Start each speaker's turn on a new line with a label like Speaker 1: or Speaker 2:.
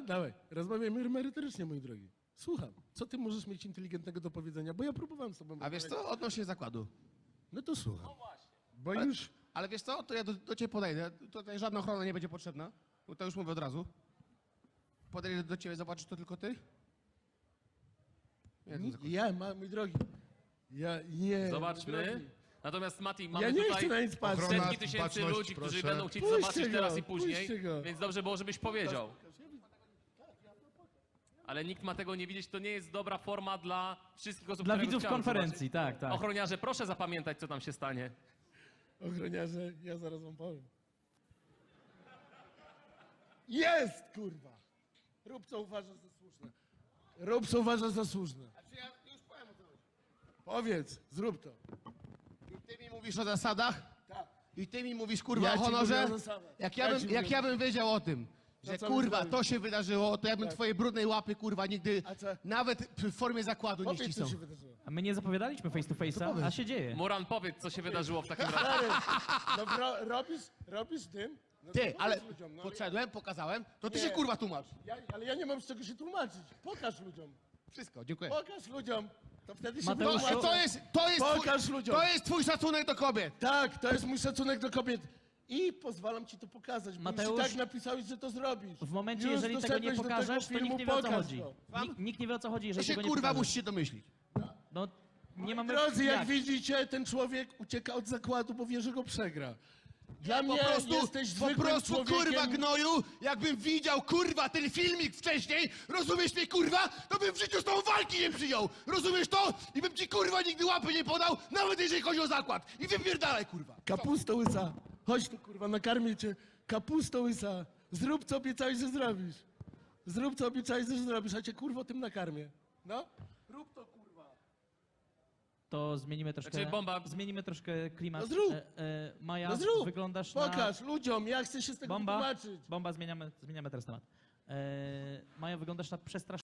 Speaker 1: Dawaj, rozmawiajmy merytorycznie, mój drogi. Słucham, co ty możesz mieć inteligentnego do powiedzenia, bo ja próbowałem z tobą...
Speaker 2: A wiesz co, odnośnie zakładu.
Speaker 1: No to słucham. Bo
Speaker 2: Ale,
Speaker 1: już...
Speaker 2: ale wiesz co, to ja do ciebie podejdę. Tutaj żadna ochrona nie będzie potrzebna. Bo to już mówię od razu. Podejdę do ciebie, zobaczysz to tylko ty?
Speaker 1: Mój drogi, ja nie...
Speaker 3: Zobaczmy. Natomiast Mati, mamy
Speaker 1: Ja nie
Speaker 3: tutaj
Speaker 1: chcę na nic patrzeć.
Speaker 4: Ochrona,
Speaker 3: setki tysięcy
Speaker 4: baczność,
Speaker 3: ludzi, którzy
Speaker 4: proszę.
Speaker 3: będą chcieć
Speaker 1: Puśćcie
Speaker 3: zobaczyć
Speaker 1: go,
Speaker 3: teraz i
Speaker 1: puśćcie
Speaker 3: później,
Speaker 1: go.
Speaker 3: więc dobrze było, żebyś powiedział. Ale nikt ma tego nie widzieć, to nie jest dobra forma dla wszystkich osób,
Speaker 5: Dla
Speaker 3: które
Speaker 5: widzów
Speaker 3: chciały
Speaker 5: konferencji,
Speaker 3: zobaczyć.
Speaker 5: tak, tak.
Speaker 3: Ochroniarze, proszę zapamiętać, co tam się stanie.
Speaker 1: Ochroniarze, ja zaraz wam powiem. Jest, kurwa! Rób co uważasz za słuszne. Rób co uważasz za słuszne.
Speaker 2: Znaczy ja już powiem o co chodzi.
Speaker 1: Powiedz, zrób to.
Speaker 2: I ty mi mówisz o zasadach?
Speaker 1: Tak.
Speaker 2: I ty mi mówisz, kurwa,
Speaker 1: Ja
Speaker 2: o
Speaker 1: ci
Speaker 2: honorze?
Speaker 1: mówię o zasadach.
Speaker 2: Jak ja bym wiedział o tym, że
Speaker 1: co mi
Speaker 2: kurwa,
Speaker 1: zrobisz?
Speaker 2: to się wydarzyło, to ja bym twoje brudnej łapy, kurwa, nigdy
Speaker 1: A co?
Speaker 2: nawet w formie zakładu nie
Speaker 1: Powiedz, co
Speaker 2: ścisnął.
Speaker 1: się wydarzyło.
Speaker 5: A my nie zapowiadaliśmy face to face'a, a się dzieje.
Speaker 3: Muran, powiedz, co się wydarzyło w takim razie.
Speaker 1: Stary, no robisz tym? No to
Speaker 2: Ty,
Speaker 1: powiedz
Speaker 2: ale
Speaker 1: ludziom, no,
Speaker 2: podszedłem, pokazałem, to ty
Speaker 1: Nie.
Speaker 2: się kurwa tłumacz.
Speaker 1: ale ja nie mam z czego się tłumaczyć. Pokaż ludziom.
Speaker 2: Wszystko, dziękuję.
Speaker 1: Pokaż ludziom. To wtedy się
Speaker 5: Mateusz,
Speaker 2: To,
Speaker 1: wytłumaczę.
Speaker 2: to
Speaker 1: Pokaż ludziom.
Speaker 2: to jest twój szacunek do kobiet.
Speaker 1: Tak, to jest mój szacunek do kobiet. I pozwalam ci to pokazać, bo
Speaker 5: Mateusz,
Speaker 1: już i tak napisałeś, że to zrobisz.
Speaker 5: W momencie,
Speaker 1: Już
Speaker 5: jeżeli tego nie
Speaker 1: doszedłeś do
Speaker 5: pokażesz, to
Speaker 1: filmu,
Speaker 5: nikt nie wie o co
Speaker 1: pokaż
Speaker 5: chodzi.
Speaker 1: to.
Speaker 5: Nikt nie wie o co chodzi,
Speaker 2: To
Speaker 5: jeżeli
Speaker 2: się
Speaker 5: tego nie
Speaker 2: kurwa
Speaker 5: pokażesz.
Speaker 2: musicie domyślić.
Speaker 5: No, nie mamy...
Speaker 1: Drodzy, jak widzicie, ten człowiek ucieka od zakładu, bo wie, że go przegra. Dla mnie jesteś
Speaker 2: po
Speaker 1: zwykłym
Speaker 2: prostu
Speaker 1: człowiekiem.
Speaker 2: kurwa gnoju, jakbym widział kurwa ten filmik wcześniej, rozumiesz mnie kurwa, to bym w życiu z tą walki nie przyjął, rozumiesz to? I bym ci kurwa nigdy łapy nie podał, nawet jeżeli chodzi o zakład. I wypierdalaj kurwa.
Speaker 1: Kapusto łysa. Chodź tu, kurwa, nakarmię cię. Kapusto łysa. Zrób, co obiecałeś, że zrobisz. Zrób, co obiecałeś, że zrobisz, a cię, kurwo, tym nakarmię. No? Rób to, kurwa.
Speaker 5: To zmienimy troszkę...
Speaker 3: Znaczy, bomba-
Speaker 5: Zmienimy troszkę klimat.
Speaker 1: No zrób.
Speaker 5: Maja,
Speaker 1: No zrób.
Speaker 5: wyglądasz na...
Speaker 1: Pokaż ludziom, ja chcę się z tego
Speaker 5: Bomba,
Speaker 1: wytłumaczyć.
Speaker 5: zmieniamy teraz temat. Maja, wyglądasz na przestraszoną.